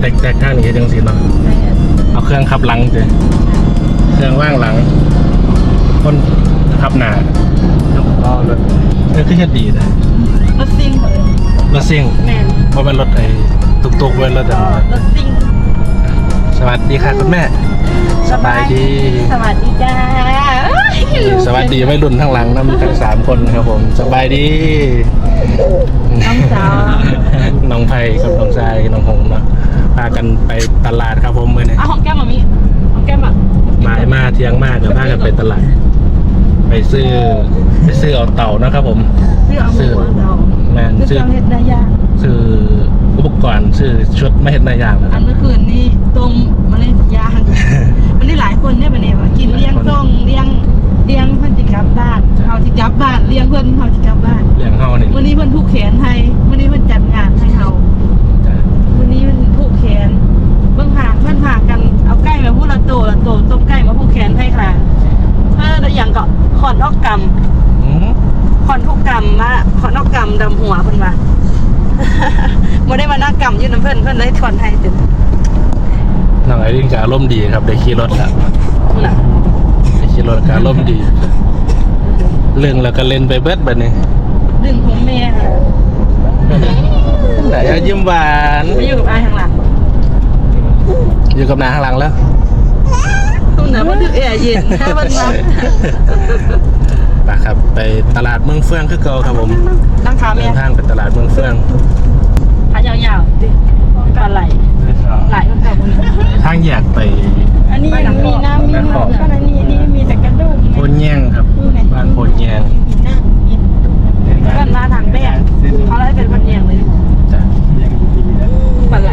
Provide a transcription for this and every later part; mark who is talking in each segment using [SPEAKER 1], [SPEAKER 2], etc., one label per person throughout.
[SPEAKER 1] แตกข้างนี้จังสิเนาะเอาเครื่องขับหลังเจเครื่องว่างหลังคนขับหน้าก็รถคือแค่ดีนะ
[SPEAKER 2] รถซิ่งเลย
[SPEAKER 1] รถซิ่ง
[SPEAKER 2] แมน
[SPEAKER 1] เพราะเป็นรถไอ้ตุกๆเว้นรถ
[SPEAKER 2] รถซิ่ง
[SPEAKER 1] สวัสดีค่ะคุณแม่สบายดี
[SPEAKER 2] สวัสดีจ้า
[SPEAKER 1] สวัสดีวัยรุ่นทั้งหลังน้ำทั้ง3 คนครับผมสบายดี
[SPEAKER 2] น้องสาว
[SPEAKER 1] น้องไผ่กับน้องทรายน้องหงเนาะพากันไปตลาดครับผมเมื่อนี้
[SPEAKER 2] เอาของแก้มมามีของแก้มอ่ะ
[SPEAKER 1] บ่ายมาเที่ยงมากเดี๋ยวพากันไปตลาดไปซื้อเอาเต่านะครับผม
[SPEAKER 2] ซื้อเอาหมูเรา
[SPEAKER 1] แม่น
[SPEAKER 2] ซื้
[SPEAKER 1] ซื้
[SPEAKER 2] อ
[SPEAKER 1] อ
[SPEAKER 2] เห็ดได้ยาก
[SPEAKER 1] ซื้ออุปกรณ์ซื้อชุดไม่เห็นในอย่างนะค
[SPEAKER 2] อั
[SPEAKER 1] รั
[SPEAKER 2] น
[SPEAKER 1] บ
[SPEAKER 2] เมื่อคืนนี้ต้มมาเลยยางมันได้หลายคนเนี่ยแบบนี้ว่ากินเลี้ยงส่งเลี้ยงเพื่อนจิกลับบ้านเขาจิกลับบ้านเลี้ยงเพื่อนเขาจิกลับบ้าน
[SPEAKER 1] เลี้ยงเฮานี่
[SPEAKER 2] วันนี้เพื่อนผูกแขนให้วันนี้เพื่อนจัดงานให้เขา
[SPEAKER 1] จ้ะ
[SPEAKER 2] วันนี้มันผูกแขนเบื้องผากเพื่อนผากกันเอาใกล้มาพูดละโตต้มใกล้มาผูกแขนให้ค่ะแล้วอย่างก็ขอนอกกรรม
[SPEAKER 1] อืม
[SPEAKER 2] ขอนทุกกรรมมาขอนอกกรรมดำหัวเพิ่นว่า บ่ได้มานักกรรมยืนน้ำเพิ่นเลยถอนให้เต็ม
[SPEAKER 1] น้องไอรินก็อารมณ์ดีครับได้ขี่รถแล้ว
[SPEAKER 2] น่ะ
[SPEAKER 1] ได้ขี่รถก็อารมณ์ดี เรื่องแล้วก็เล่นไปเบิดบัดนี้
[SPEAKER 2] ดึงของแม่ค่ะ
[SPEAKER 1] ไหนอะยิ้มหวาน
[SPEAKER 2] ไปอยู่กับอายข้างหลัง
[SPEAKER 1] อยู่กับนาข้างหลังแล้ว
[SPEAKER 2] ตรงไหนมันดึกแอร์เย็นแค่มันมา
[SPEAKER 1] ไปครับไปตลาดเมืองเฟื่องคือเก่าครับผม
[SPEAKER 2] นั่งขา
[SPEAKER 1] เดิ
[SPEAKER 2] แม่
[SPEAKER 1] นทางไปตลาดเมืองเฟื่อง
[SPEAKER 2] ขายาวๆดิปลาไหลมันแบบนี้
[SPEAKER 1] ทางแยกไป
[SPEAKER 2] อันนี้มีน้ำมีมันขนาดนี้มีแต่กระดูก
[SPEAKER 1] โพนแย่งครับบ้านโพนแย่ง
[SPEAKER 2] บ้านมาทางแม่เขาเลยเป็นบ้านแยงเลย
[SPEAKER 1] จ้ะ
[SPEAKER 2] ปลาไหล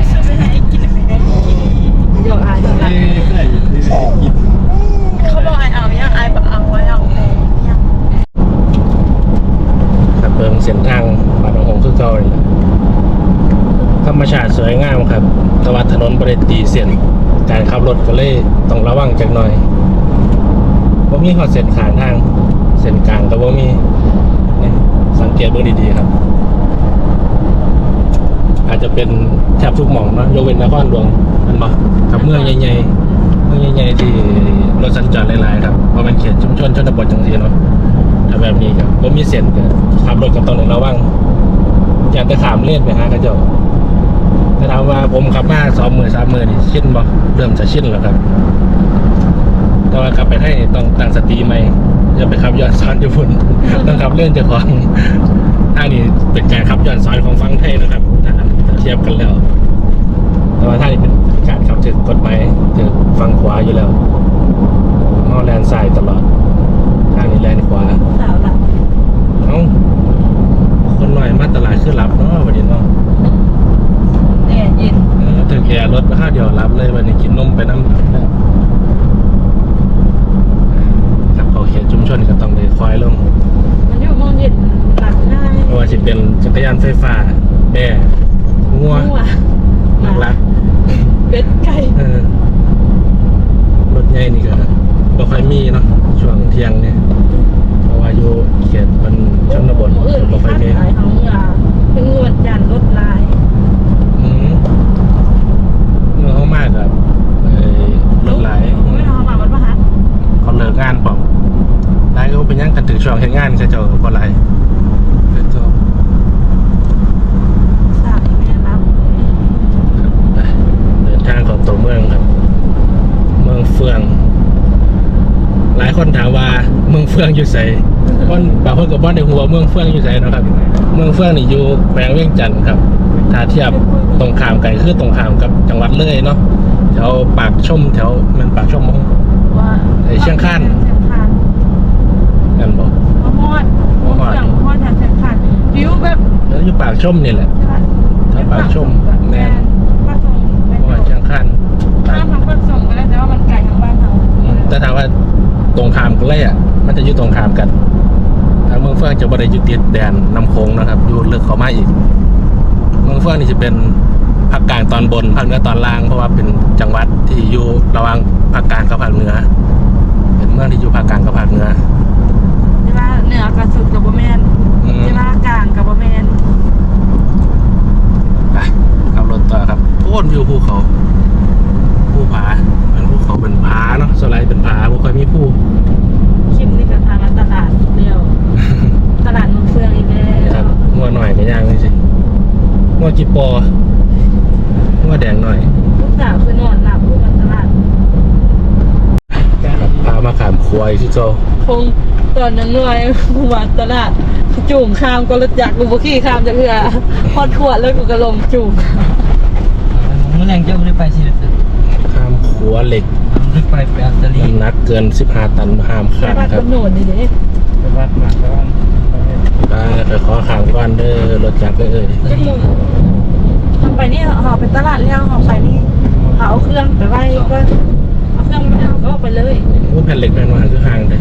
[SPEAKER 2] เดี๋ยวอายเขาบอกอายเอาเนี่ยอายบอกเอาไว้เอาแม่เนี่ย
[SPEAKER 1] ครับเบิ่งเส้นทางบ้านหนองหงคือเก่าเลยธรรมชาติสวยงามครับแต่ว่าถนนบริตีเส้นการขับรถก็เลยต้องระวังจักหน่อยบ่มีฮอดเส้นขางทางเส้นกลางก็บ่มีนี่สังเกตเบิ่งดีๆครับ อาจจะเป็นแทบทุกหม่องเนาะยกเว้นนครหลวงมันบ่กับเมืองใหญ่ๆที่รถสัญจรหลายๆครับเพราะมันเขตชุมชนชนบทจังซี่เนาะถ้าแบบนี้ครับบ่มีเส้นก็ขับรถก็ต้องระวังอย่าไปขามเลนไปหากระเจ้าแต่ถามว่าผมขับมา2 มื้อ 3 มื้อนี่ชินบ่เริ่มจะชินแล้วครับแต่ว่ากลับไปให้ต้องตั้งสติใหม่อย่าไปขับย้อนสอนอยู่พุ่น ต้องขับเล่นเจ้าของทางนี้เป็นการขับย้อนสอนของฝั่งไทยนะครับถ้าเทียบกันแล้ว แต่ว่าทางนี้เป็นการขับถึงกฎหมายถึงฝั่งขวาอยู่แล้วมอแลนซ้ายตลอดทางนี้แลนขวา
[SPEAKER 2] สาวหลับ
[SPEAKER 1] เอ้าคนหน่อยมาตลาดคือรับเนาะวันนี้เนาะ
[SPEAKER 2] แอร์เย็น
[SPEAKER 1] ถึงแอร์รถข้าวเดียวรับเลยวันนี้กินนมไปน้ำครับเขาเขียนชุมชนก็ต้องได้คอยลง
[SPEAKER 2] มันอยู่มองเย็นหลับง่าย
[SPEAKER 1] เพราะว่าสิเป็นจักรยานไฟฟ้าแม่งัวนักรัก
[SPEAKER 2] เป็ดไก่
[SPEAKER 1] รถใหญ่นี่ก็บ่ค่อยมีเนาะช่วงเที่ยงเนี่ยเพราะว่าอยู่เขตมันชนบท
[SPEAKER 2] อื่น
[SPEAKER 1] บ่ค่อยมี
[SPEAKER 2] ขายของเป็นงวดยันรถลาย
[SPEAKER 1] เมื่อเขามากกับรถหลาย
[SPEAKER 2] ไม่ทำมาวันพฤหัส
[SPEAKER 1] เขาเลิกงานปอกหลายก็เป็นยังกันถึงช่วงเฮ็ดงานเขาเจ้าก็บ่หลายเจ้า
[SPEAKER 2] สาวแม่รับ
[SPEAKER 1] ไปเดินทางของตัวเมืองครับ เมืองเฟือง หลายคนถามว่าเมืองเฟืองอยู่ไสคนบางคนก็บ่ได้ฮู้ว่าเมืองเฟืองอยู่ไสเนาะครับ เมืองเฟืองนี่อยู่แขวงเวียงจันทน์ครับ ถ้าเทียบตรงข้ามกันคือตรงข้ามกับจังหวัดเลยเนาะแถวปากชมแถวมันปากชมมั้ง
[SPEAKER 2] ว่า
[SPEAKER 1] เชียงคาน
[SPEAKER 2] เชียงคาน
[SPEAKER 1] นั่นบอก
[SPEAKER 2] มะฮอดทางเชียงคานวิวแบบ
[SPEAKER 1] แล้วอยู่ปากชมนี่แหละถ้าปากชมแน่น
[SPEAKER 2] ป้าส่ง
[SPEAKER 1] เพราะว่าเชียงคาน
[SPEAKER 2] ข้ามทางป้าส่งก็ได้แต่ว่ามันไกลทางบ้านเรา
[SPEAKER 1] แต่ถามว่าตรงข้ามกันเลยอ่ะมันจะอยู่ตรงข้ามกันทางเมืองเฟื่องจะบ่ได้อยู่ติดแดนน้ำโขงนะครับอยู่ลึกเข้ามาอีกเมืองเฟื่องนี่จะเป็นภาคกลางตอนบนภาคเหนือตอนล่างเพราะว่าเป็นจังหวัดที่อยู่ระหว่างภาคกลางกับภาคเหนือเป็นเมืองที่อยู่ภาคกลางกับภาคเหนือ
[SPEAKER 2] ใช่ป่ะเหนือกับสุดกับบ่แมนใช่ป่ะกลางกับบ่แมน
[SPEAKER 1] ไปขับรถต่อครับโค่นวิวภูเขาย่างนี่สิง้อจีปอง้อแดงหน่อย
[SPEAKER 2] ลูกสาวคือนอนหลับลูกมันตลาด
[SPEAKER 1] ครับพามาขามควายที่โจ
[SPEAKER 2] คงตอนนั้นหน่อยกูมาตลาดจุ่มข้ามก็รถจักรกูบ่ขี่ข้ามจากเรือพอดขวดแล้วกูก็ลงจุ่ม
[SPEAKER 3] เมื่อแรงเจ้าได้ไปสิเลย
[SPEAKER 1] ข้ามขัวเหล็ก
[SPEAKER 3] ได้ไปอัสลี
[SPEAKER 1] น้ำหนักเกิน15 ตันห้าม
[SPEAKER 2] ไป
[SPEAKER 1] ข้าม
[SPEAKER 2] วัด
[SPEAKER 1] ครับ
[SPEAKER 2] กำหนดนี่เด้
[SPEAKER 3] ไปวัดมาแล้ว
[SPEAKER 1] ไปขอขามก่อนเด้อรถจักรเอ้ย
[SPEAKER 2] จักมุมทำไปนี่ห่อไปตลาดแล้วห่อไปนี่เขาเอาเครื่องไปไว้ก็เอาเครื่องไม่เอาก็ไปเลย
[SPEAKER 1] ว่าแผ่นเหล็กแผ่นหวานคือห่างเลย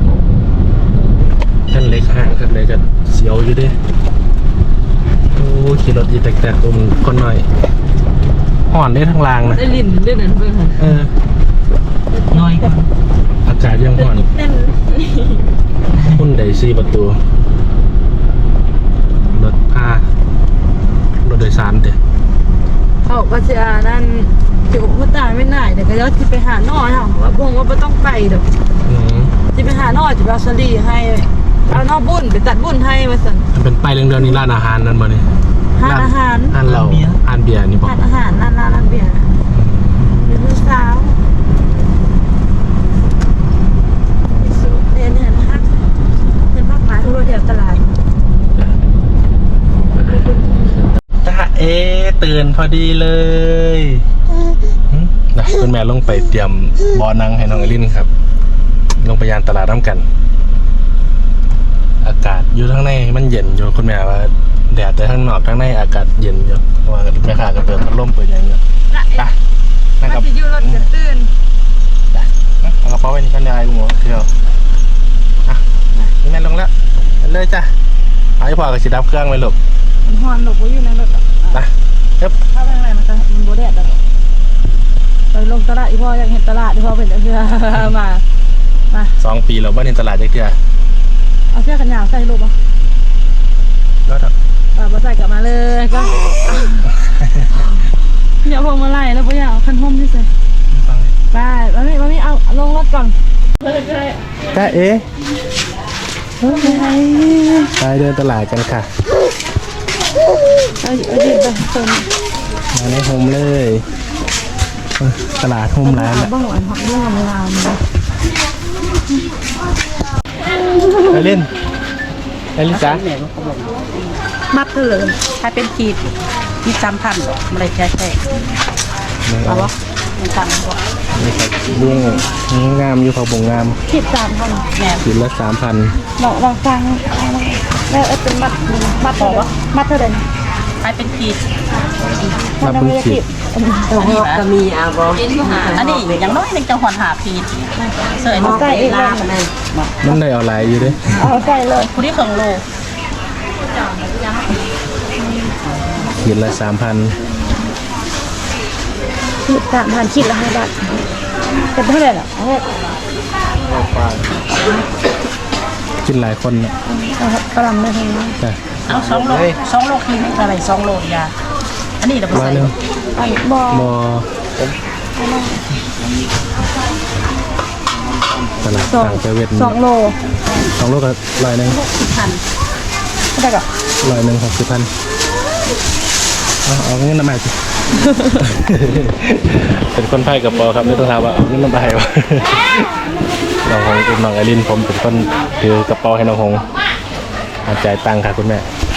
[SPEAKER 1] แผ่นเหล็กห่างครับเลยกันเสียวอยู่เด้โอ้ขี่รถอีแตกๆตัวมันคนหน่อยห่อนได้ทั้งรางนะ
[SPEAKER 2] ได้ลิ้นได้นั่นเพื่อน
[SPEAKER 1] เออ
[SPEAKER 3] น้อยกว่า
[SPEAKER 1] อากาศยังห่อน
[SPEAKER 2] เต้น
[SPEAKER 1] หุ้นไดซี่ประตูรถพารถโดยสารเด้
[SPEAKER 2] เขาก็จะนั่นจุกผู้ตายไม่น่ายแต่ก็ยอดที่ไปหาหน่อยค่ะว่าพงว่าไม่ต้องไปเด้อ
[SPEAKER 1] อืม
[SPEAKER 2] ที่ไปหาหน่อยจะไปเอาสลีให้เอานอกบุญไปตัดบุญให้มาสั่น
[SPEAKER 1] มันเป็นป้ายเรื่องๆนี้ร้านอาหารนั่นมาเนี่ย
[SPEAKER 2] หาอาหาร
[SPEAKER 1] ร้านเราร้านเบียร์นี่บอก
[SPEAKER 2] ทานอาหารร้านเบียร์เป็นมื้อเช้าเนี่ยพักหลายทุกโรงแรมตลาด
[SPEAKER 1] ตาตื่นพอดีเลยนะคุณแม่ลงไปเตรียมบ่อนังให้น้องอลินครับ ลงไปยานตลาดน้ำกัน อากาศอยู่ข้างในมันเย็นอยู่คุณแม่ว่าแดดแต่ข้างนอกข้างในอากาศเย็นอยู่เพราะว่าแม่ค้าก็เปิดพัดลมเปิดอย่างเงี้ยไปนั่งกับ
[SPEAKER 2] จะอยู่รถจะตื่น
[SPEAKER 1] เอากระเป๋าไว้นี่กันได้กูหมดเที่ยวอ่ะนี่แม่ลงแล้วเลยจ้ะเอาให้พ่อกับสีดับเครื่องไว้ลูก
[SPEAKER 2] มันฮอนหลบไว้อยู่ในรถ
[SPEAKER 1] นะเอ๊บ
[SPEAKER 2] ถ้าเป็นอะไรมันโบแดดไปลงตลาดอีพ่ออยากเห็นตลาดอีพ่อเป็นเพื่อมา
[SPEAKER 1] 2 ปีแล้วบ้านในตลาดจักเที่ย
[SPEAKER 2] เอาเสื้อกันหนาวใส่ลูกป่ะ
[SPEAKER 1] ก็ครับ
[SPEAKER 2] บ่ใส่กลับมาเลยก็เดี๋ยวพวงมาไล่แล้วพ่ออยากเอาคันห่มที่ใส่ไปมาไม่เอาลงรถก่อน
[SPEAKER 1] จ้าเอ๋ไปเดินตลาดกันค่ะ
[SPEAKER 2] เอาดิไปส่ง
[SPEAKER 1] มาในโฮมเลยตลาดโฮมร้านแหละ
[SPEAKER 2] บ้างหวานผักบ้างเวลา
[SPEAKER 1] ไปเล่นไปลิซ่า
[SPEAKER 2] มัดเถลิมถ้าเป็นขีด3,000ไม่ได้ใช่เอาวะมันต่ำกว่า
[SPEAKER 1] นี่ครับเรื่องงามอยู่เขาบ่งงาม
[SPEAKER 2] ขีด3,000แหน
[SPEAKER 1] ขีดละ 3,000
[SPEAKER 2] ลองฟังแล้วเป็นมัดบอกว่ามัดเท่าไหร่
[SPEAKER 4] ไปเป็นขีด
[SPEAKER 1] นับเป็นขีด
[SPEAKER 4] ก็มีอาบอันนี้อย่างน้อยหนึ่งจะหอนหาขีดเสยมัน
[SPEAKER 2] ใส่เองเลย
[SPEAKER 1] มันได้เอาหลายอยู่เด้
[SPEAKER 2] เอาใส่เลย
[SPEAKER 4] ผู้ที่เครื่องโล
[SPEAKER 1] ขีดละ 3,000
[SPEAKER 2] ขีด3,000ขีดละ5 บาทเป็นเท่าไหร่ล่ะเอา
[SPEAKER 1] กินหลายคนนะ
[SPEAKER 2] กระลำได้ทั้งนั้น
[SPEAKER 1] จ้ะ
[SPEAKER 4] เอา2 โลขีดอะไร2 โลยาอันนี้เราไป
[SPEAKER 1] ร้อย
[SPEAKER 4] ใส่
[SPEAKER 1] หนึง
[SPEAKER 2] อันบอ
[SPEAKER 1] บ่ตลาดต่างประเทศ
[SPEAKER 2] 2 โล
[SPEAKER 1] 2 โลก็100 นึง
[SPEAKER 4] พัน
[SPEAKER 2] เท่าไหร่ก็
[SPEAKER 1] 100 นึง60,000เอาเงินมาสิ เป็นคนไทยกับปอครับไม่ต้องถามว่าเอาเงินมาให้วะน้องหงเป็นน้องไอรินผมเป็นคนถือกระเป๋าให้น้องหงจ่ายตังค่ะคุณแม่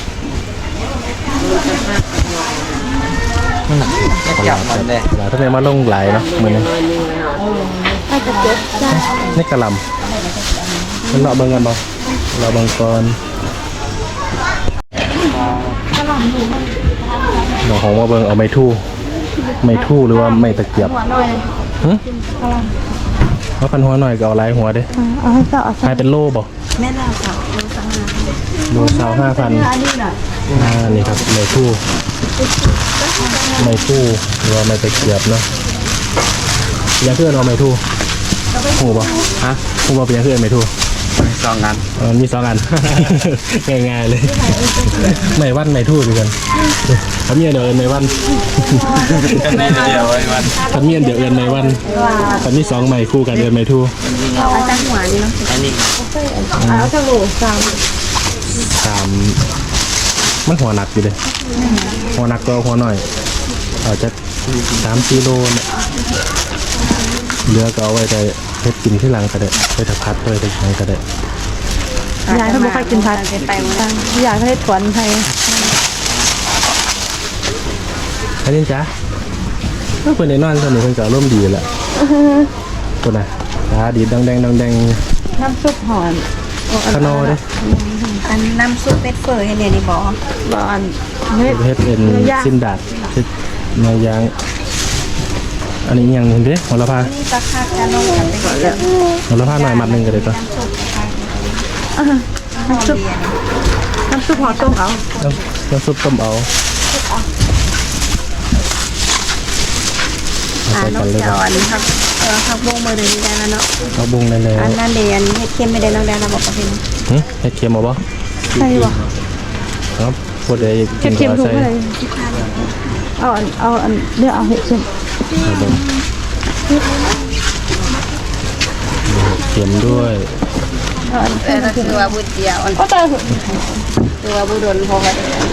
[SPEAKER 3] เกี่ยวมันเลย
[SPEAKER 1] หลายท่านมาลงหลายเนาะเหมือน
[SPEAKER 2] ให้จะเจ็บจ้า
[SPEAKER 1] นี่กระหลำมันเลาะเบิ่งกันบ่เลาะเบิ่งก่อนน้องหงมาเบิ่งเอาไม้ทู่หรือว่าไม้ตะเกียบ
[SPEAKER 2] หัวหน่อย
[SPEAKER 1] หึว่าพันหัวหน่อยก็เอาหลายหัวเด้
[SPEAKER 2] เอาให้ต่อเอา
[SPEAKER 1] ขายเป็นโลบ่
[SPEAKER 4] แม่น่าค่ะ
[SPEAKER 1] โล25,000
[SPEAKER 2] อันนี้หน่อย
[SPEAKER 1] นี่ครับไม้ทู่หรือว่าไม้ตะเกียบเนาะอยากเพื่อนเอาไม้ทู่หูบ่ฮะหูบ่เป็นอยากเพื่อนไม้ทู่
[SPEAKER 3] 2 งาน
[SPEAKER 1] มี2 อัน ง่ายๆเลยไม้วันไม้ทู่ด้วยกันทำเมียเดี๋ยวเอินไม้วัน
[SPEAKER 3] กันได้เดียวไว้วัน
[SPEAKER 1] ทำเมียเดี๋ยวเอินไม้วันทำมี2 ไม้คู่กันเอินไม้ทู่
[SPEAKER 4] เอาจังหัวนี่เนาะ
[SPEAKER 3] อันนี้
[SPEAKER 2] เอาจะโหล3
[SPEAKER 1] 3 มันหัวหนักอยู่เลยหัวหนักก็หัวหน่อยอาจจะ3 กิโลเนี่ยเหลือก็เอาไว้ได้เฮ็ดกินที่หลังก็ได้ไปถักพัดไปถักยังก็ได้
[SPEAKER 2] ยายเขาไม่ค่อยกินผัดยายเขาให้ถวนไทย
[SPEAKER 1] อันนี้จ้ะเมื่อเพิ่นได้นอนตอนนี้เพิ่นก็ร่มณ์ดีแหละคนน่ะตาดีดังแดงดังแดง
[SPEAKER 2] น้ำซุปหอน
[SPEAKER 1] ขนอเด้
[SPEAKER 4] อันน้ำซุปเป็ดเฟอร์ให้เนี่ยนี่บอก
[SPEAKER 2] บอนเม็ด
[SPEAKER 1] เฮ็ดเป็นสิ้นดาดเฮ็ดเนื้อย่างอันนี้ยังเห็นเด้หัวละพา
[SPEAKER 4] นี่ปลาคาจะลงกันไปก่อนแล้ว
[SPEAKER 1] หัวละพาหน่อยมัดหนึงก็ได้ตัว
[SPEAKER 2] น้ำซุปหอต้มเอา
[SPEAKER 1] น้ำซุปต้มเอาใส่
[SPEAKER 4] น้
[SPEAKER 1] กั
[SPEAKER 4] อน ง
[SPEAKER 1] เลย
[SPEAKER 4] เจ้าอันนี้ครับผักบุ้งมือเดินได้แล้วเนาะ
[SPEAKER 1] เอาบุ้งได้เลย
[SPEAKER 4] อันนั้นเดียนเฮ็ดเค็มไม่ได้น้องแดนเราบอกกับเพิ่น
[SPEAKER 1] เฮ็ดเค็มเอาบ่
[SPEAKER 2] ใช่ป่ะ
[SPEAKER 1] ครับพอได้กิน
[SPEAKER 2] เค็ม
[SPEAKER 1] ก็
[SPEAKER 2] ถูก
[SPEAKER 1] ใส่
[SPEAKER 2] ไหมเอาอันเดี๋ยวเอาเห็ดเค็ม
[SPEAKER 1] เอาบ่เค็มด้วย
[SPEAKER 2] เอาอัน
[SPEAKER 4] แต่ก็คือว่าบุญเดียวอัน
[SPEAKER 2] ก็ตาย
[SPEAKER 4] คือว่าบุญโดนพอกัน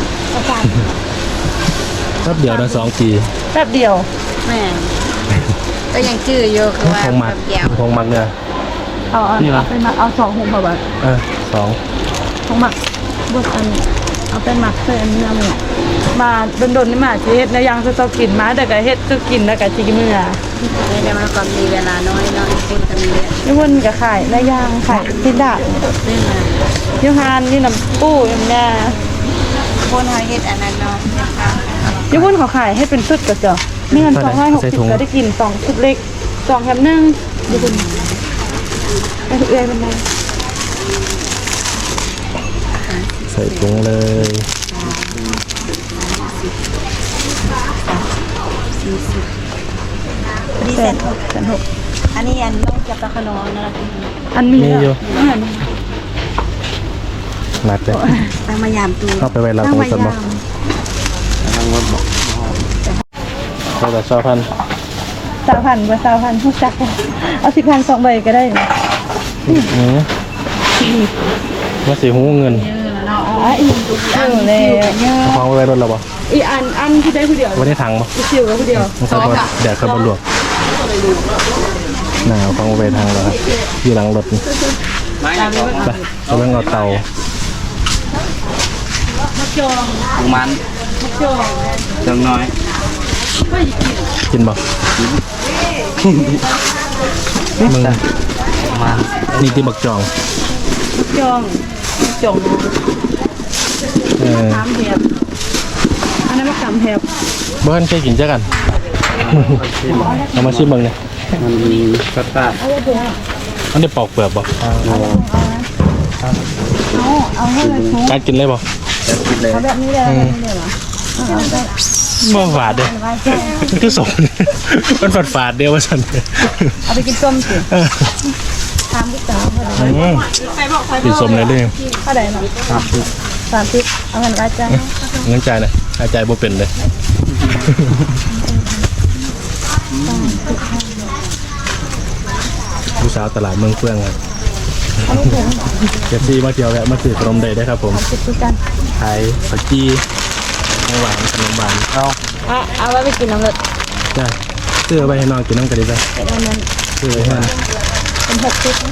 [SPEAKER 1] แป๊บเดียวได้2 ปี
[SPEAKER 2] แป๊บเดียว
[SPEAKER 4] แม่ก็ยังชื่ออยู่คือว่า
[SPEAKER 1] คงมัก
[SPEAKER 4] เดียว
[SPEAKER 1] คงมักเนี่ย
[SPEAKER 2] เอาไปหมักเอา2 หุงแบบ
[SPEAKER 1] 2
[SPEAKER 2] ของหมักบดอันเอาไปหมักใส่อันนี้เนี่ยมาโดนๆนี่มาสิเฮ็ดแล้วยังจะต้องกินมาแต่ก็เฮ็ดก็กินแล้วก็สิมื้อ
[SPEAKER 4] ไม่ได้มาความมีเวลาน้อยน้อยคุณจะมีเรียน
[SPEAKER 2] นี่มันก็ขายแล้วย่างขายสิดา
[SPEAKER 4] ซึ่งมา
[SPEAKER 2] ยูฮานนี่น้ำปูอย่างเนี้ย
[SPEAKER 4] คนเฮาเฮ็ดอันนั้นเนาะนะคะ
[SPEAKER 2] ยูบุ่นเขาขายให้เป็นชุดก็เจ้านี่มัน260ก็ได้กิน2ชุดเล็ก2แถม1ยูบุ่นไปเอื้อยเป็นไง
[SPEAKER 1] ใส่ถุงเลย
[SPEAKER 4] ดีเซ็ตอันนี้อันต้องจับตะขนอนะ
[SPEAKER 2] อันมี
[SPEAKER 1] มีอยู่หนักเลย
[SPEAKER 4] ตั้งมายามตู
[SPEAKER 1] เข้าไปไว้เราตรงสมบัติเราแต่ชอบพัน
[SPEAKER 2] 3,000กว่า3,000ผู้จักเอา10,000 2ใบก็ได้
[SPEAKER 1] มาสีหูเงิน
[SPEAKER 2] อ๋ออีกเลย
[SPEAKER 1] เอาของไว้รถเราบ่
[SPEAKER 2] อีอันที่ได้ผู้เดียว
[SPEAKER 1] ไว้ในถังบ่
[SPEAKER 2] อีคิวกับผู้เดียว
[SPEAKER 1] มันใส่บ่แดดเข้าบนหลวงหนาวของไว้ทางเราครับอยู่หลังรถนี่
[SPEAKER 3] ไม่ก็
[SPEAKER 1] ไปเอาเรื่องเอาเตา
[SPEAKER 3] มันจังน้อย
[SPEAKER 1] กินบ่มึง
[SPEAKER 3] มัน
[SPEAKER 1] นี่ที่บักจอง
[SPEAKER 2] จอง 3แถบอันนั้นมะขามแถบ
[SPEAKER 1] บ้านเคยกินจ้ะกันเอามาชิมเบิ่งเนี่ย
[SPEAKER 3] มันมีกระตัด
[SPEAKER 1] มันได้ปอกเปลือกบ่
[SPEAKER 2] เอาให้เลยทุก
[SPEAKER 1] การกินเลยบ่
[SPEAKER 3] จะกินเลย
[SPEAKER 2] แบบนี้เลยเหรอ
[SPEAKER 1] บ่ฝาดเด้คือสมมันฝาดเดียวว่าซั่น
[SPEAKER 2] เอาไปกินส้มสิทำที่สามเท่าไหร่
[SPEAKER 1] กินสมเลยเด้
[SPEAKER 2] เท่าไหร่เนาะ30เอาเงินไว้จ้า
[SPEAKER 1] เงินจ่ายนะจ่ายบ่เป็นเลยผู้สาวตลาดเมืองเฟื่องครับเจ็บซี่มาเที่ยวแวะมาซื้อขนมได้ได้ครับผม
[SPEAKER 2] คิดกัน
[SPEAKER 1] ขายผักจี้ของหวานขนมหวานเอา
[SPEAKER 2] เอาไว้ไปกินน้ำเลือด
[SPEAKER 1] จ้าซื้อไปให้น้องกินน้ำกันดีไป
[SPEAKER 2] เป็นอันนั้น
[SPEAKER 1] ซื้อไปให้
[SPEAKER 2] เป็น6ชุด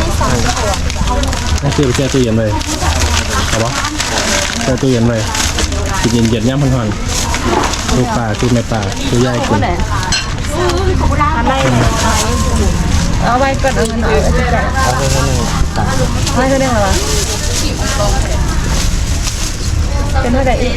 [SPEAKER 1] ซื้อไปแช่ตู้เย็นไว้เอาปะแช่ตู้เย็นไว้กินเย็นๆย่ำพันๆลูกปลาคือแม่ปลาคือย่ายกิน
[SPEAKER 2] อันไหนเอาไว้ก่อนเอาเงินเอาไว้จ่ายไม่ก็ได้เหรอเป็นเท่าไหร่อีก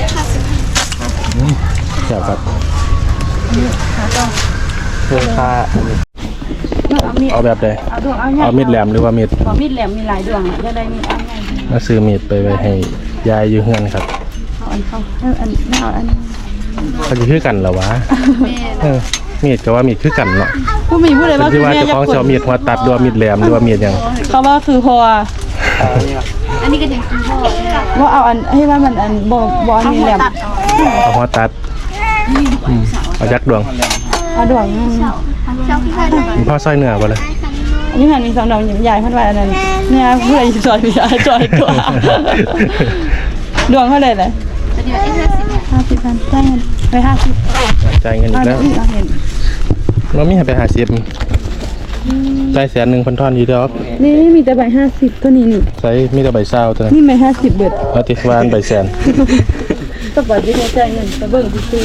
[SPEAKER 1] แซ่บครับ
[SPEAKER 2] หาต่อ
[SPEAKER 1] เพื่อค่า
[SPEAKER 2] เอามีด
[SPEAKER 1] เอาแบบใด
[SPEAKER 2] เอาดวงเอา
[SPEAKER 1] เอามีดแหลมหรือว่ามีด
[SPEAKER 2] ขอมีดแหลมมีหลายดวงจะได้มีอันไหน
[SPEAKER 1] มาซื้อมีดไปไว้ให้ยายอยู่เฮือนครับ
[SPEAKER 2] เอาอันเข้าอันไม่เอาอัน
[SPEAKER 1] เขาจะคือกันเหรอวะมีดก็ว่ามีดคือกันเนาะ
[SPEAKER 2] ผู้มีผู้ใด
[SPEAKER 1] เป็น
[SPEAKER 2] ว่า
[SPEAKER 1] ที่ว่าเจ้าของจะเอามีดหัวตัดหรือว่ามีดแหลมหรือว่ามีดหยัง
[SPEAKER 2] เขาว่าคือพอ
[SPEAKER 4] อันนี้ก็ยังคุณพ่อ
[SPEAKER 2] ว่าเอาอันให้ว่ามันอันบอลนี่แหลม
[SPEAKER 1] เอาหัวตัดเอายักษ์ดวง
[SPEAKER 2] เอาดวง
[SPEAKER 1] มีพ่อสร้อยเนื้อบ่เลย
[SPEAKER 2] อันนี้มันมี2ดอกใหญ่พันว่าอันนั้นเนี่ยผู้ใดจอยพี่จอยตัวดวงเท่าไหร่เลย
[SPEAKER 4] จะ
[SPEAKER 2] 50,000ได้เงินไป50
[SPEAKER 1] จ่ายเงินอีกแล้ว
[SPEAKER 2] เราเห็น
[SPEAKER 1] เรามีให้ไป50จ่าย100,000พันท่อนอยู่ดอก
[SPEAKER 2] นี่มีแต่ใบ50ตัวนี้นี่
[SPEAKER 1] ใส่มีแต่ใบเศร้าตัวนั้น
[SPEAKER 2] นี่ใบ50เบิด
[SPEAKER 1] เอาติวานใบแสน
[SPEAKER 2] ก็บอกที่จ่ายเงินไปเบิ่งซื้อ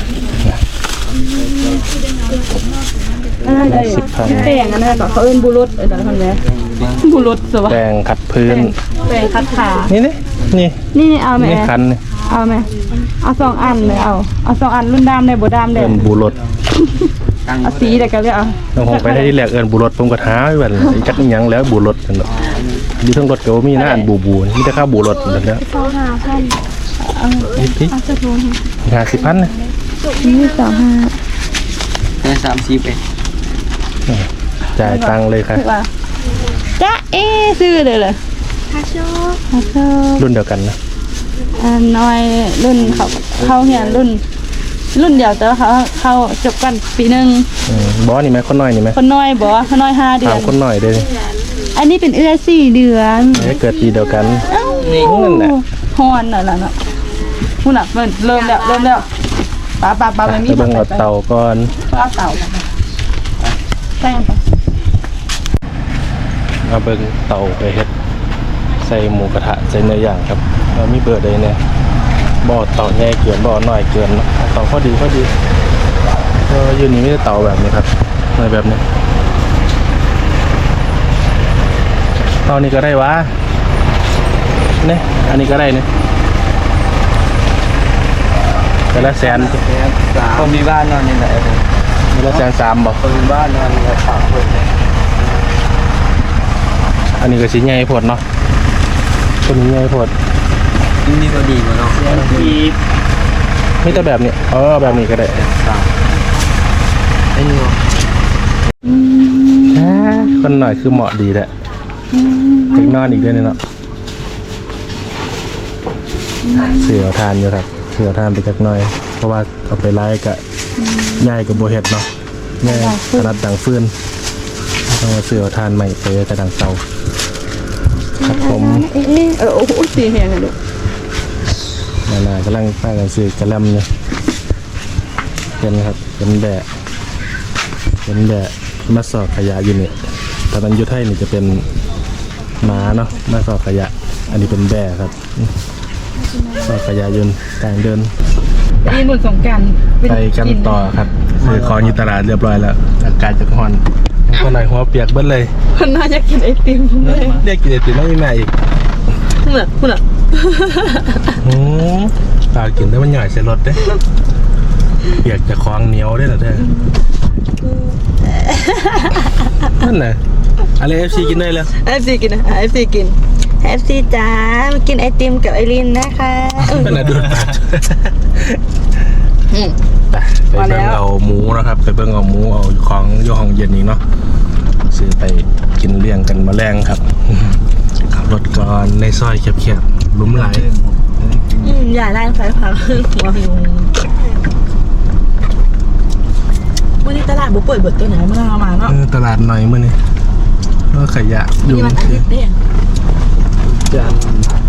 [SPEAKER 2] อะไรแป้งอันนั้นเขาเอิ้นบุรุษอะไรทำไงบุรุษสวะ
[SPEAKER 1] แปรงขัดพื้น
[SPEAKER 2] แป้งคัดขา
[SPEAKER 1] นี่นี่
[SPEAKER 2] นี่เอาไหม
[SPEAKER 1] นี่คันนี่
[SPEAKER 2] เอาไหมเอา2อันเลยเอา2อันรุ่นดำได้บ่ดำได้
[SPEAKER 1] เอิ้นบูรถ
[SPEAKER 2] เอาสีเดี๋ยวก็เรียกเอา
[SPEAKER 1] น้องคงไปได้ที่แรกเอิ้นบูรถผมก็ท้าไว้บัดไอ้จักอีหยังแล้วบูรถนั่นเนาะอยู่ทั้งรถก็บ่มีหน้าอันบูมีแต่ค่าบูรถนั่นแหละ
[SPEAKER 2] 25,000
[SPEAKER 1] นี่พี่
[SPEAKER 2] เอาสักโลนึง
[SPEAKER 1] 50,000นะ
[SPEAKER 2] นี่25
[SPEAKER 3] ได้30เอง
[SPEAKER 1] จ่ายตังค์เลยค่ะ
[SPEAKER 2] ถูกป่ะจ๊ะซื้อเลยเหรอฮาโช
[SPEAKER 1] รุ่นเดียวกันนะ
[SPEAKER 2] น้อยรุ่นเขาเหียนรุ่นเดียวแต่ว่าเขาจบกันปีนึง
[SPEAKER 1] บอสนี่ไหมคนน้อยนี่ไหม
[SPEAKER 2] คนน้อยบ่คนน้อย5 เดือ
[SPEAKER 1] ถาม
[SPEAKER 2] น
[SPEAKER 1] คนน้อยเด้อ
[SPEAKER 2] อันนี้เป็น4 เดือน
[SPEAKER 1] เกิดปีเดียวกัน นั่นแหละ
[SPEAKER 2] ฮอนน่ะล่ะเนาะพุ่นน่ะมันเริ่มแล้วป้าไม่มี
[SPEAKER 1] ไปเบิ่งเอาเต่าก่อน
[SPEAKER 2] ป้าเต่าแป้งปะ
[SPEAKER 1] เอาเบิ่งเต่าไปเฮ็ดใส่หมูกระทะใส่เนื้อย่างครับเรามีเบอร์ใดเนี่ยบ่อเต่าใหญ่เกินบ่อน้อยเกินเนาะเต่าพอดีอยู่นี่ไม่ได้เต่าแบบนี้ครับในแบบนี้เต่านี่ก็ได้วะเนี่ยอันนี้ก็ได้เนี่ยแต่ละแสน
[SPEAKER 3] ก็มีบ้านนอนนี่แหละ
[SPEAKER 1] แต่ละ130,000บอก
[SPEAKER 3] ก็มีบ้านนอนนี่ฝากเพิ่น
[SPEAKER 1] อันนี้ก็สิใหญ่โพดเนาะตัวนี้ใหญ่โพด
[SPEAKER 3] นี่ก็ดีกว่าเนาะมี
[SPEAKER 1] มีแต่แบบนี้แบบนี้ก็ได้
[SPEAKER 3] ไอ้นี่เนาะ
[SPEAKER 1] คนหน่อยคือเหมาะดีแหละถึงนอนอีกด้วยเนาะเสือทานอยู่ครับเสือทานไปจักหน่อย เพราะว่าเอาไปไล่กับย่ายกับโบเห็ดเนาะแม่ถนัดดังฟืนต้องเอาเสือทานใหม่ไปแต่ดังเตาครับผม
[SPEAKER 2] โอ้โหสีแหงอ่ะลูก
[SPEAKER 1] นากำลังป้ากันซื้อกระแลมเนี่ยเป็นครับเป็นแบะมาสอบขยะอยู่เนี่ยตอนนั้นยุทธไทยนี่จะเป็นหมาเนาะมาสอบขยะ อันนี้เป็นแบะครับสอบขยะยนต์กลางเดิน
[SPEAKER 2] นี่หนุนสงการ
[SPEAKER 1] ไปกันต่อครับซื้อของอยู่ตลาดเรียบร้อยแล้วอากาศจะร้อนคนไหนหัวเปียกเบิ้ลเลย
[SPEAKER 2] คนน่าจะกินไอติมเลย
[SPEAKER 1] เรียกกินไอติมไม่มีแม่อีก
[SPEAKER 2] คุณอ่ะ
[SPEAKER 1] ปลากินได้มันหน่อยใส่รถเด้เปียกจะคล้องเหนียวได้เหรอเด้นั่นน่ะอะไร FC กินได้แล้ว
[SPEAKER 2] FC กินนะFC กิน FC จ้ามากินไอติมกับไอรินนะคะ
[SPEAKER 1] นั่นน่ะดูดปากไปเบิ่งเอาหมูนะครับไปเบิ่งเอาหมูเอาของย่ห้องเย็นนี้เนาะซื้อไปกินเลี้ยงกันมาแรงครับขับรถก่อนในซอยแคบๆหลุมไหล
[SPEAKER 2] อย่าไล่ไฟพังหัวหิววันนี้ตลาดบุเปิดเบิดตัวไหนเมื่อมาเนาะ
[SPEAKER 1] ตลาดหน่อยมื้อนี้ก็ขยะอยู่
[SPEAKER 2] นี่มันอาทิตย์เนี่ย
[SPEAKER 1] จัน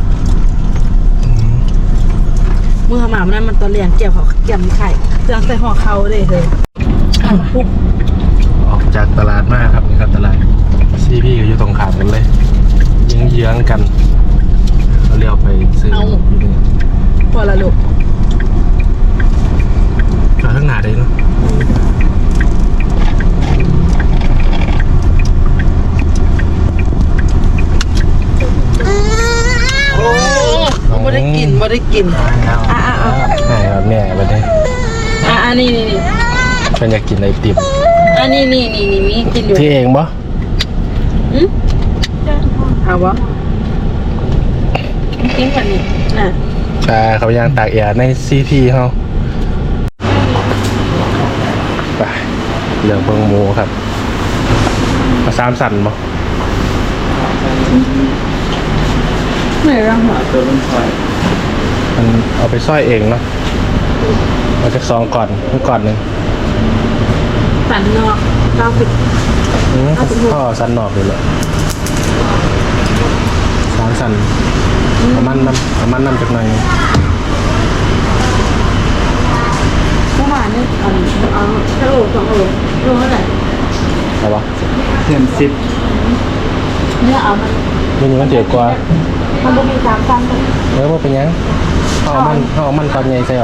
[SPEAKER 2] เมื่อมามันนั้นมันตอนเรียนเกี่ยวเขาเกี่ยมไข่เครื่องใส่ห่อเขาเลยเธอปุ๊บ
[SPEAKER 1] ออกจากตลาดมาครับนี่ครับตลาดซีพี่ก็อยู่ตรงข้ามกันเลยเยื้องๆกันเราเลี้ยวไปซื้ออยู่นี่
[SPEAKER 2] พอละลูก
[SPEAKER 1] จอดข้างหน้าได้เนาะ
[SPEAKER 2] ไม่ได้กินไม่ได้กินอ่ะ
[SPEAKER 1] ใช่ครับแม่ไปเลย
[SPEAKER 2] นี่
[SPEAKER 1] เป็นอยากกินไอติม
[SPEAKER 2] นี่มีกินอยู่
[SPEAKER 1] ที่เองปะ
[SPEAKER 2] เอาวะกินกันนี่น่ะ
[SPEAKER 1] เขาย่างตากแอร์ในซีพีเขาไปเรื่องเบิ่งหมูครับเอา3 สั่นปะ
[SPEAKER 2] ไม่รังหรอ
[SPEAKER 3] ตัวมันซอย
[SPEAKER 1] มันเอาไปซ้อยเองเนาะเอาจาก2ก่อนหนึ่ง
[SPEAKER 2] สันนอก90
[SPEAKER 1] พ่อสันนอกเลยแหละ3 สั่นเอามันน้ำจากหน่อย
[SPEAKER 2] 2 โลโลเท่าไหร่
[SPEAKER 1] อะไรวะ
[SPEAKER 3] เดือน10
[SPEAKER 2] เนี่ยเอามัน
[SPEAKER 1] นี่มันเดือดกว่า
[SPEAKER 2] มันบ่มี3ตันเลย
[SPEAKER 1] ว่าเป็นยังเอามันตอนใหญ่ใส่เอา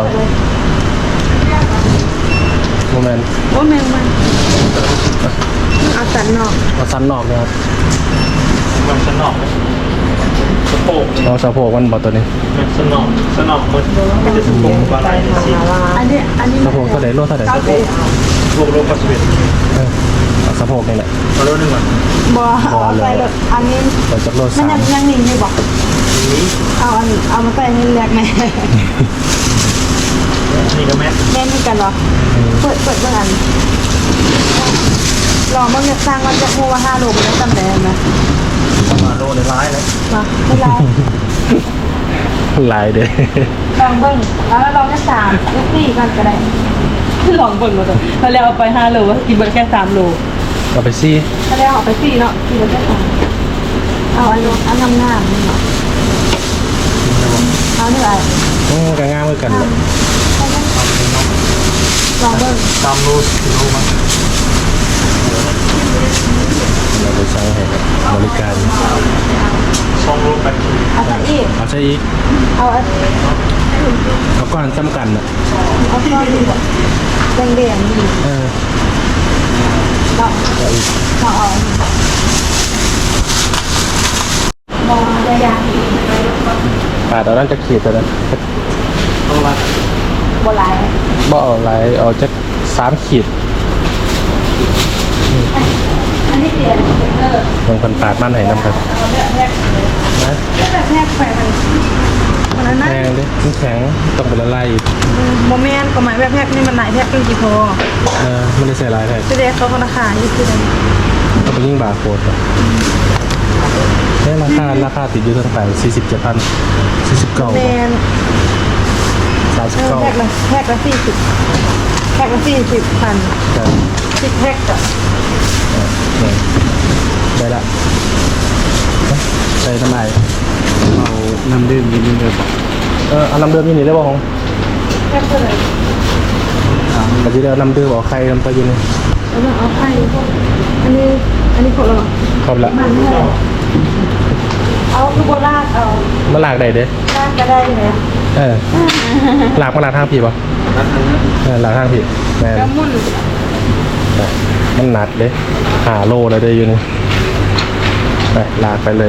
[SPEAKER 1] โมเมนต์
[SPEAKER 2] โอ้แมงมันเอาสันนอก
[SPEAKER 1] เอาสันนอกนะครับ
[SPEAKER 5] มันสนอกสะโพก
[SPEAKER 1] เอาสะโพกมันบอกตัวนี้
[SPEAKER 5] มันสนอกมันจะสะโพกอะไรสิ
[SPEAKER 2] อันนี้
[SPEAKER 1] สะโพกเท่าไหร่โลเท่าไหร่
[SPEAKER 5] รวมปัสสาวะ
[SPEAKER 1] เอาสะโพกนี่แหละ
[SPEAKER 5] มาเริ่มหนึ่งก่อน
[SPEAKER 2] บ่เอาใส่แบบอันนี้
[SPEAKER 1] เปิดจากโล
[SPEAKER 2] มัน
[SPEAKER 1] 3
[SPEAKER 2] ยังนิ่งอยู่บ่เอามาใส่นี่แรกแม่
[SPEAKER 5] นี่ก็แม่
[SPEAKER 2] แม่นี่กันเหรอเปิดเบิ่งอันลองเบิ่งเนี่ยสร้างมันจะฮู้ว่า5 โลมันได้ตำแหน่งนะ
[SPEAKER 5] มาโลในร้ายเลย
[SPEAKER 2] มาไม่ไร
[SPEAKER 1] ลายเด้
[SPEAKER 2] ลองเบิ่งแล้วลองแค่3หรือ4กันก็ได้ลองเบิ่งมาเถอะแล้วแล้วเอาไป5 โลกินเบิ่งแค่3 โล
[SPEAKER 1] เอาไปซี่
[SPEAKER 2] แล้วเอาไป4เนาะกินเบิ่งแค่3เอาอันงามๆนี่เนาะเอานี่ไว้
[SPEAKER 1] ก็ง่ายเหมือนกันเลย
[SPEAKER 2] ลองเบิ่ง
[SPEAKER 5] ตามโลกิโลมา
[SPEAKER 1] เราไปสั่งให้ครับบริการ
[SPEAKER 5] 2 โล8
[SPEAKER 2] เอาใส่อีก
[SPEAKER 1] เอาใช่อีก
[SPEAKER 2] เอาอัน
[SPEAKER 1] เอาก้อนจำกันอ่ะ
[SPEAKER 2] เอาก้อนนี่บ่แดงๆนี่
[SPEAKER 1] เออ
[SPEAKER 2] เนาะ
[SPEAKER 1] เอาอีก
[SPEAKER 2] เอามองยา
[SPEAKER 1] ปาดเอาด้านจะขีดตัวนั้น
[SPEAKER 5] โลละ
[SPEAKER 2] ๆบ่หลาย
[SPEAKER 1] บ่เอาลายเอาจะ3 ขีด
[SPEAKER 2] อันนี้เปลี่ยน
[SPEAKER 1] บางคนปาดมันให้น้ำครับ
[SPEAKER 2] เอาแบบแรก
[SPEAKER 1] นะ
[SPEAKER 2] แบบแรกไปมันนั้นนะ
[SPEAKER 1] แพงดิมันแข็งต้องเป็นละลายอีก
[SPEAKER 2] โมเมนต์ก็หมายแบบแรกนี่มันหลายแรกเป็นกี่พอ
[SPEAKER 1] ไม่ได้ใส่ลายแท้
[SPEAKER 2] จะเด็กเขาก็ราคาอยู่คือ
[SPEAKER 1] ต้องไปยิ่งบาร์โค้ดอะได้ราคาติดอยู่เท่าไหร่47,000 49
[SPEAKER 2] แมนแรกละ40แรกละ40,000
[SPEAKER 1] ครับ
[SPEAKER 2] 10แรกจ้ะ
[SPEAKER 1] ได้ละใส่ทำไม
[SPEAKER 3] เอาน้ำดื่มนิดนึงเลยบอก
[SPEAKER 1] เอาน้ำเดือดมีนี่ได้บ่ของ
[SPEAKER 2] แรกเท่าไหร่
[SPEAKER 1] แต่ที่เดียวน้ำเดือดบอกใครน้ำตาอยู่นี่
[SPEAKER 2] แล้วเอาไข่อันนี้ขอเรา
[SPEAKER 1] ครบละ
[SPEAKER 2] มันเอาคือโบราณเอา
[SPEAKER 1] มาลากได้เด้
[SPEAKER 2] ลากก็ได้เลย
[SPEAKER 1] ลากมาลากทางผีป่ะลากทางผีแม่
[SPEAKER 2] กระมุน
[SPEAKER 1] มันหนักเด้5 โลเลยได้อยู่นี่ไปลากไปเลย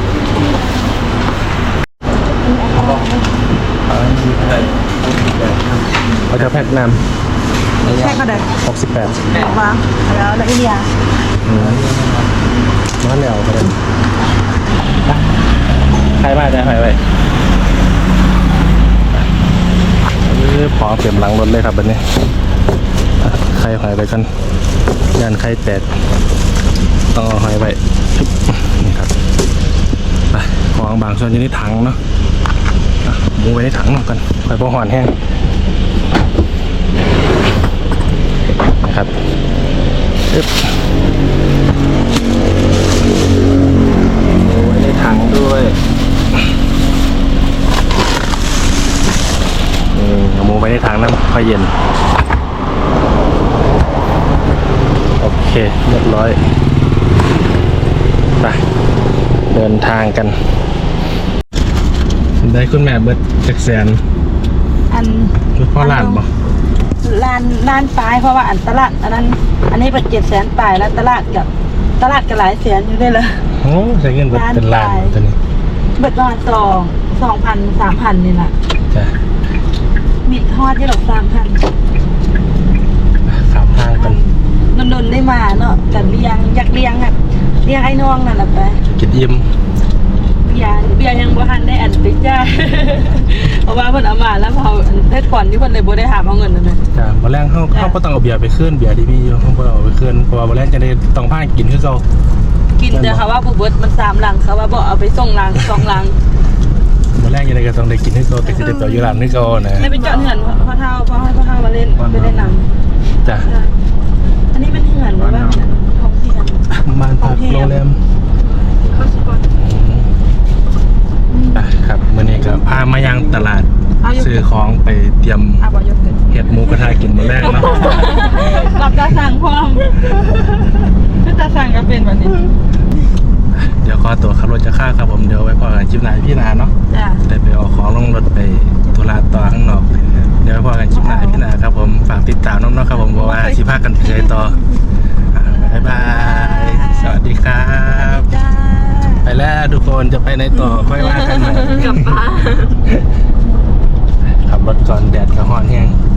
[SPEAKER 1] เอาจะแพ็กน้ำ
[SPEAKER 2] แค่ก็ได้
[SPEAKER 1] 68
[SPEAKER 2] บอกว่าแล้วอินเดีย
[SPEAKER 1] มาแล้วก็ได้ใครมาได้ใครไปพอเก็บหลังรถเลยครับแบบนี้ใครหอยไปกันยันใครแตกต้องเอาหอยไปนี่ครับไปของบางส่วนอยู่ในถังเนาะมูไปในถังหน่อยกันไปพอหอนแห้งนะครับไว้ในถังด้วยเอาหมูไว้ในถังน้ำค่อยเย็นโอเคเรียบร้อยไปเดินทางกันได้คุณแม่เบิดจักแสน
[SPEAKER 2] อัน
[SPEAKER 1] คือพ่อหลานบ่
[SPEAKER 2] ล้านปลายเพราะว่าอันตลาดอันนั้นอันนี้เป็น700,000ปลายแล้วตลาดก็หลายแสนอยู่ได้เลย
[SPEAKER 1] โอ้ใช้เงินเบิดเป็นล้านตัวนี้
[SPEAKER 2] เบิดประมาณ2,000 3,000นี่แหละ
[SPEAKER 1] จ้ะ
[SPEAKER 2] มีทอดที่ดอก3,000
[SPEAKER 1] ขามทางกัน
[SPEAKER 2] นนได้มาเนาะแต่อยากเลี้ยงอ่ะเลี้ยงไอ้น้องนั่นแหละไป
[SPEAKER 1] กินอิ่ม
[SPEAKER 2] เบียร์ยังบ่ทันได้อันติจ้า เพราะว่าเพิ่นเอามาแล้วเขาได้ก่อนที่เพิ่นเลยบ่ได้หาเอาเงินนั่นน่ะ
[SPEAKER 1] จ้ะบ่แรงเขาก็ต้องเอาเบียร์ไปขึ้นเบียร์ที่มีอยู่เขาบ่เอาไปขึ้นเพราะว่าบ่แรงจะได้ต้องพากินคือเก่า
[SPEAKER 2] กินแต่เขาว่าบ่เบิดมัน3ลังเขาว่าบ่เอาไปส่งลัง2ลัง
[SPEAKER 1] บ่แรงจะได้ก็ต้องได้กินคือเก่าแต่สิได้ต่ออยู่ร้านคือเก่านะ
[SPEAKER 2] ได้ไปจอดเหือนพ่อเฒ่ามาเล่นไปเล่นน้ำ
[SPEAKER 1] จ้ะ
[SPEAKER 2] อันนี้เป็นเหือนหรือว่าของที่กัน
[SPEAKER 1] บ้านพักโรงแรม
[SPEAKER 2] เขาสิก่อน
[SPEAKER 1] ครับมื้อนี้ก็พามายังตลาดซื้อซื้อของไปเตรียม
[SPEAKER 2] บอยกเกิด
[SPEAKER 1] เห็ดหมูกระทะกินมื้อแรกเนาะ
[SPEAKER 2] รับตาสั่งพร้อมคือตาสั่งก็เป็นแบบนี้
[SPEAKER 1] เดี๋ยวขอตัวขับรถจะข้าครับผมเดี๋ยวไว้พอกันคลิปหน้าพี่นาเนาะ
[SPEAKER 2] จ้ะ
[SPEAKER 1] ได้ไปเอาของลงรถไปธุระต่อข้างนอกเดี๋ยวไว้พอกันคลิปหน้าพี่นาครับผมฝากติดตามน้องๆครับผมเพราะว่าสิพากันไปใช้ต่อบ๊ายบายสวัสดีครับ
[SPEAKER 2] จ้า
[SPEAKER 1] ไปแล้วทุกคนจะไปในต่อค่อยว่ากันใหม่
[SPEAKER 2] กลับบ้าน
[SPEAKER 1] ขับรถก่อนแดดกระห้อนแห้ง